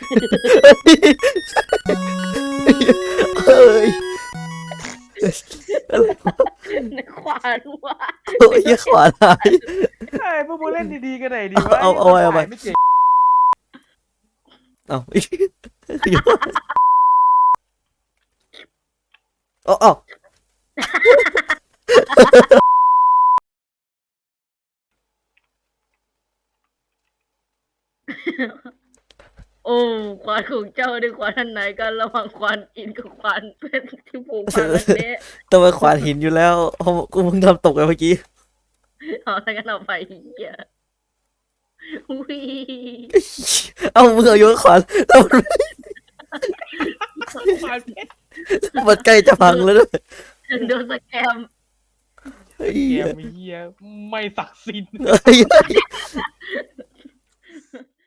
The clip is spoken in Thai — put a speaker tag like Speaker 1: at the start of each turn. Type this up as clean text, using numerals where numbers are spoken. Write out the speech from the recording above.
Speaker 1: เฮ้ยอะไรวะ
Speaker 2: ในขวานว่ะ
Speaker 1: โอ้ยขวานหาย
Speaker 3: เฮ้ยพวกมึงเล่นดีๆกันไหนดีวะ
Speaker 1: เอาไว้เอาไว้
Speaker 3: ไม่เจ๋ง
Speaker 1: เอาเอา
Speaker 2: โอ้ควานของเจ้าได้ควานอันไหนกันระหว่างควานอินกับควานเป็นที่ผูกพันอันนี้
Speaker 1: แต่มันขวานหินอยู่แล้วกูเพิ่งทำตกไปเมื่อกี้
Speaker 2: เอาอะไรกันเอาไปเหี้ยอุ้ย
Speaker 1: เอามึงเอาโยนขวานแล้วมัน
Speaker 3: ควานเพชร
Speaker 1: มันใกล้จะพังแล้วด้วย
Speaker 2: โดนสแกม
Speaker 1: เฮ้ย
Speaker 3: เกมเฮียไม่ศักดิ์สิทธิ์
Speaker 1: เฮ้ย